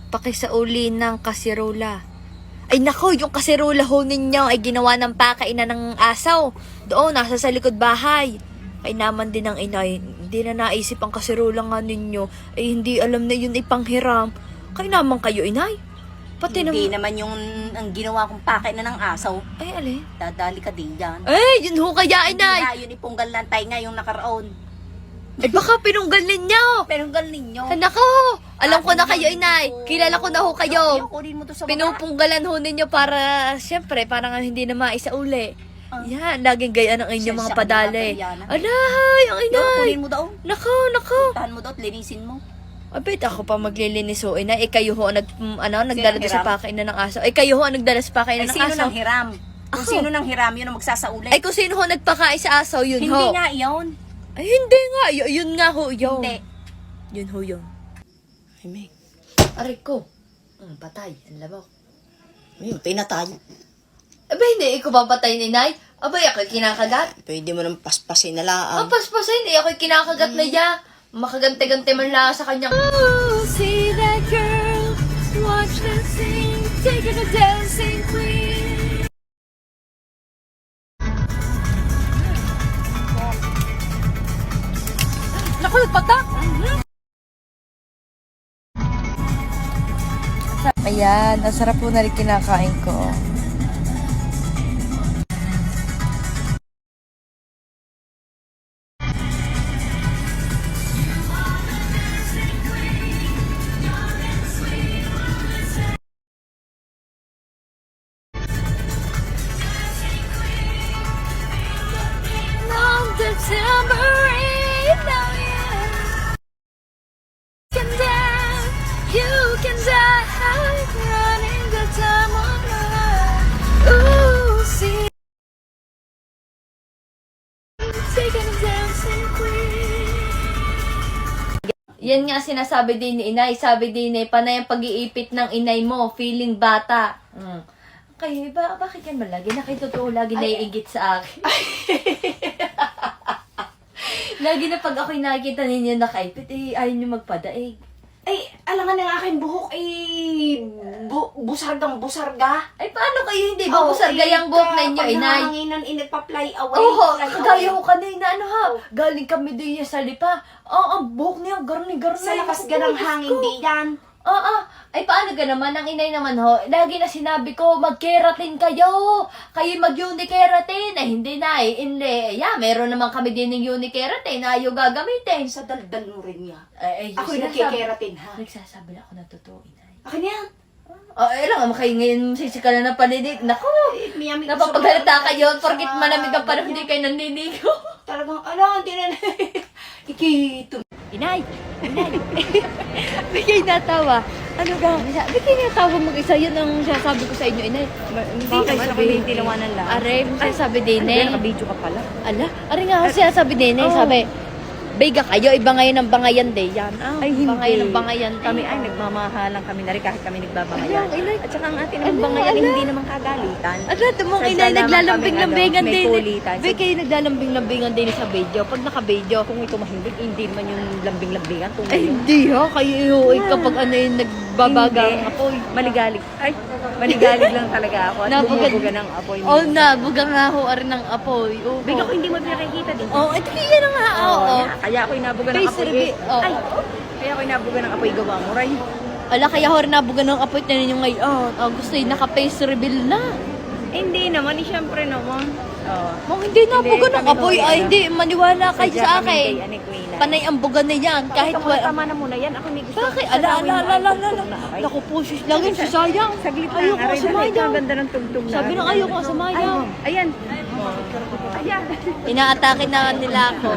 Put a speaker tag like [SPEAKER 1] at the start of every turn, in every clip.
[SPEAKER 1] pakisauli ng kasirola. Ay nako, yung kasirola ho ninyo ay ginawa ng pakainan ng asaw. Doon, nasa sa likod bahay. Ay naman din ng inay, hindi na naisip ang kasirola nga ninyo. Ay hindi alam na yun ay panghiram. Kaya naman kayo inay. Pati
[SPEAKER 2] Hindi naman yung ang ginawa kong pakay na ng asaw.
[SPEAKER 1] Ay alin?
[SPEAKER 2] Dadali ka din dyan.
[SPEAKER 1] Ay, yun ho kaya inay.
[SPEAKER 2] Hindi yun ipunggal lantay nga yung nakaraon.
[SPEAKER 1] Ay baka pinunggal ninyo.
[SPEAKER 2] Pinunggal ninyo.
[SPEAKER 1] Ay nako, alam ko na kayo inay. Kilala ko na ho kayo.
[SPEAKER 2] Kunin mo to sa
[SPEAKER 1] Pinupunggalan ho ninyo para, siyempre, parang hindi na maisauli. Yan, laging gaya ng inyong mga padali. Alay, ang inay.
[SPEAKER 2] Kunin mo daw.
[SPEAKER 1] Nako.
[SPEAKER 2] Puntahan mo daw at linisin mo.
[SPEAKER 1] Abit, ako pa maglilinis ho, ina. Kayo ho, nagdala doon sa pakainan ng aso. Kayo ho, nagdala sa pakainan ng
[SPEAKER 2] Sino
[SPEAKER 1] aso.
[SPEAKER 2] nang hiram? Kung
[SPEAKER 1] Ako.
[SPEAKER 2] sino nang hiram, yun ang magsasauli.
[SPEAKER 1] Kung sino ho nagpakain sa aso, yun
[SPEAKER 2] Hindi
[SPEAKER 1] ho.
[SPEAKER 2] nga yun.
[SPEAKER 1] Ay, hindi nga. Yun nga ho, yun.
[SPEAKER 2] Hindi.
[SPEAKER 1] Yun ho, yun.
[SPEAKER 2] Ay, may.
[SPEAKER 1] Aray ko. Patay. Ang labok.
[SPEAKER 2] May, patay na tayo.
[SPEAKER 1] Aba, hindi. Ikaw ba patay ni Nay? Abay, ako'y kinakagat.
[SPEAKER 2] Pwede mo nang paspasin na lang.
[SPEAKER 1] Paspasin. Ako'y kinakagat na ya. Makagante-gante man lang sa kanyang... Oh, see that girl. Watch that sing. Take it a dancing queen. Naku, patak! Ayan, ang sarap po na rin kinakain ko. Long December rain, now you can die, running the time on life. Ooh, see, taking a dancing queen. Yan nga sinasabi din ni inay. Sabi din ni panay ang pag-iipit ng inay mo, feeling bata. Kayo, bakit yan malagi? Nakitotoo lagi naiingit sa akin. Lagi na pag ako'y nakikita ninyo nakaipit, ayaw nyo magpadaig.
[SPEAKER 2] Ay, alangan ng aking buhok ay busargang-busarga.
[SPEAKER 1] Ay, paano kayo hindi ba busargayang buhok ninyo, inay?
[SPEAKER 2] Paghanginan, nagpa-fly away.
[SPEAKER 1] Oo,
[SPEAKER 2] fly
[SPEAKER 1] kagaya
[SPEAKER 2] away.
[SPEAKER 1] ko kanina, galing kami din sa lipa. Ang buhok niya, garni-garni.
[SPEAKER 2] Sa lakas ganang hangin di yan.
[SPEAKER 1] Ay, paano ka naman? Ang inay naman ho, lagi na sinabi ko, mag-keratin kayo. Kayo mag-unikeratin. Hindi na hindi. Meron naman kami din ng unikeratin na ayaw gagamitin.
[SPEAKER 2] Sa daldal mo rin niya.
[SPEAKER 1] Ako'y
[SPEAKER 2] nagkikeratin, ha?
[SPEAKER 1] Nagsasabi na ako na totoo, inay.
[SPEAKER 2] Akin yan.
[SPEAKER 1] Lang, kayo ngayon sisika na ng paninig. Naku,
[SPEAKER 2] Miyami
[SPEAKER 1] napapagalata kayo. Porkit malamig ang panahon, hindi kayo nanliligo.
[SPEAKER 2] Talagang, hindi na. Ikito.
[SPEAKER 1] Inay! Bigay natawa. Ano daw? Bigay natawa mag-isa. Yun ang sasabi ko sa inyo, inay.
[SPEAKER 2] Hindi naman ako yung tilawanan lang.
[SPEAKER 1] Are, sasabi din eh.
[SPEAKER 2] Nakabidyo ka pala.
[SPEAKER 1] Ala, are nga kasi sasabi din eh. Sabi, Bega kayo, iba ngayon ang bangayan day yan.
[SPEAKER 2] Ay, hindi.
[SPEAKER 1] Bangayan ang bangayan.
[SPEAKER 2] Kami ay nagmamahalan kami na rin kahit kami nagbabangayan.
[SPEAKER 1] Ay, inay.
[SPEAKER 2] At saka ang ating namang bangayan hindi naman kagalitan.
[SPEAKER 1] Ala, tumong
[SPEAKER 2] Sadya
[SPEAKER 1] inay,
[SPEAKER 2] naman
[SPEAKER 1] naglalambing-lambingan
[SPEAKER 2] kami,
[SPEAKER 1] din.
[SPEAKER 2] may kulitan.
[SPEAKER 1] Be, kayo naglalambing-lambingan din sa video. Pag naka-video.
[SPEAKER 2] Kung ito mahimbing, hindi naman yung lambing-lambingan.
[SPEAKER 1] Ay, hindi ha. Kayo kapag ano yung nagbabagang
[SPEAKER 2] Hindi.
[SPEAKER 1] apoy.
[SPEAKER 2] Maligalig. Ay, maligalig lang talaga ako. At bumubuga ng apoy.
[SPEAKER 1] Oh, nabuga nga ho rin ng apoy. Oo.
[SPEAKER 2] Bigla ko hindi mo pinakikita din.
[SPEAKER 1] Oh, ito yan na nga. Oo.
[SPEAKER 2] Kaya ako inabuga ng
[SPEAKER 1] Face
[SPEAKER 2] apoy.
[SPEAKER 1] reveal. Oo.
[SPEAKER 2] Ay, kaya ako inabuga ng apoy gawa mo, Ray.
[SPEAKER 1] Ala, kaya ho rin nabuga ng apoy na ninyo ngayon. Gusto yun, naka-face reveal na.
[SPEAKER 2] Hindi naman, syempre naman.
[SPEAKER 1] Hindi nabuga ng
[SPEAKER 2] kami
[SPEAKER 1] apoy.
[SPEAKER 2] ho,
[SPEAKER 1] Ay, hindi. Maniwala kayo
[SPEAKER 2] Sadya
[SPEAKER 1] sa
[SPEAKER 2] kami
[SPEAKER 1] akin.
[SPEAKER 2] kay Anik Wina.
[SPEAKER 1] Panay ang buga na yan. Kahit
[SPEAKER 2] Ito, tama na muna yan. Ako may gusto.
[SPEAKER 1] Bakit?
[SPEAKER 2] Sa gawin mo ay tugtog na, Aray.
[SPEAKER 1] Naku po, sis. Lagi si sayang.
[SPEAKER 2] Saglit lang,
[SPEAKER 1] Ayoko
[SPEAKER 2] Aray.
[SPEAKER 1] sumayaw.
[SPEAKER 2] Ang ganda ng tugtog na.
[SPEAKER 1] Sabi na ayoko sumayaw.
[SPEAKER 2] Ayan. Ayan.
[SPEAKER 1] Inaatake na nila ako.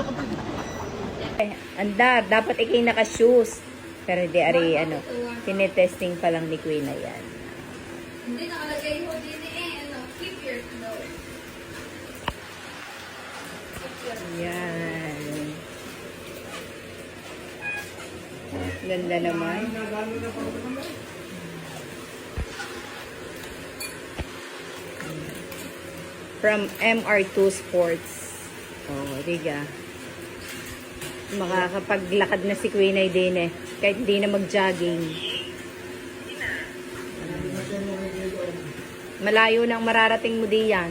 [SPEAKER 2] Andar, dapat ikay naka-shoes. Pero di, Ari, tinetesting pa lang ni Queen na yan.
[SPEAKER 1] Hindi nakalagay ho din keep your clothes.
[SPEAKER 2] Yan. Ganda naman. From MR2 Sports. Diga. Makakapaglakad na si Queen ay din eh. Kahit hindi na mag-jogging. Malayo nang mararating mo diyan.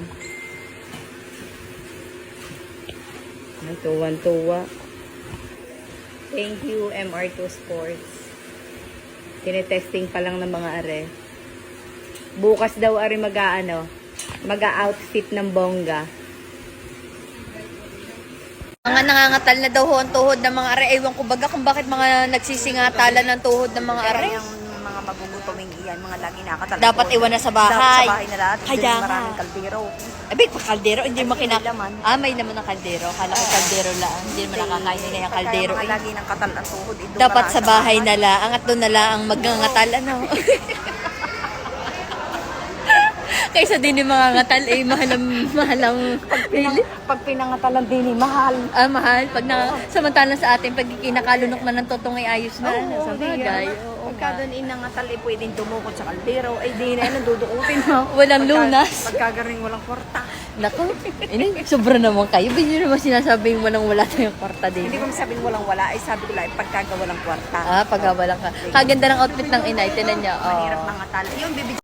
[SPEAKER 2] Ay, tuwan-tuwa. Thank you, MR2 Sports. Tinetesting pa lang ng mga are. Bukas daw are mag-outfit ng bongga.
[SPEAKER 1] Mga nangangatal na daw ho ang tuhod ng mga are. Ewan ko baga kung bakit mga nagsisingatalan ng tuhod ng mga are.
[SPEAKER 3] Yung mga magugutoming iyan, mga lagi nakatala.
[SPEAKER 1] Dapat iwan na sa bahay.
[SPEAKER 3] Dapat sa bahay na lahat.
[SPEAKER 1] Kaya
[SPEAKER 3] Kaya
[SPEAKER 1] nga.
[SPEAKER 3] maraming kaldero.
[SPEAKER 1] Abay, pa kaldero, hindi mo
[SPEAKER 3] Ay, may laman.
[SPEAKER 1] may laman ng kaldero. Kala ko kaldero lang. Hindi naman nakakain nila yung kaldero.
[SPEAKER 3] Pagka
[SPEAKER 1] Eh.
[SPEAKER 3] mga lagi ng katal ang tuhod.
[SPEAKER 1] Dapat sa bahay na lang. At doon na lang ang magngangatal. Ano? Kaysa din yung mga ngatal, eh, mahalang pili.
[SPEAKER 3] Pag pinangatalan din mahal.
[SPEAKER 1] Ah, mahal. Samantalang sa atin, pag kinakalunok na ng totong ay ayos na. Sa bagay. Oo
[SPEAKER 3] Pagka
[SPEAKER 1] nga.
[SPEAKER 3] doon inangatal, pwedeng dumukot sa kaldero. Ay, di na yan, dudukutin mo.
[SPEAKER 1] Walang lunas.
[SPEAKER 3] Pagkagaring walang kwarta.
[SPEAKER 1] Naku, sobra naman kayo. Ba't nyo naman sinasabing wala tayong kwarta din?
[SPEAKER 3] Hindi ko masabing walang wala. Ay, sabi ko lang, pagkaga walang kwarta.
[SPEAKER 1] Ah, pagkawalan ka. Kaganda ng outfit ng inay. Tinan niya.
[SPEAKER 3] Mahirap
[SPEAKER 1] Oh.
[SPEAKER 3] mangatal. Yung bibig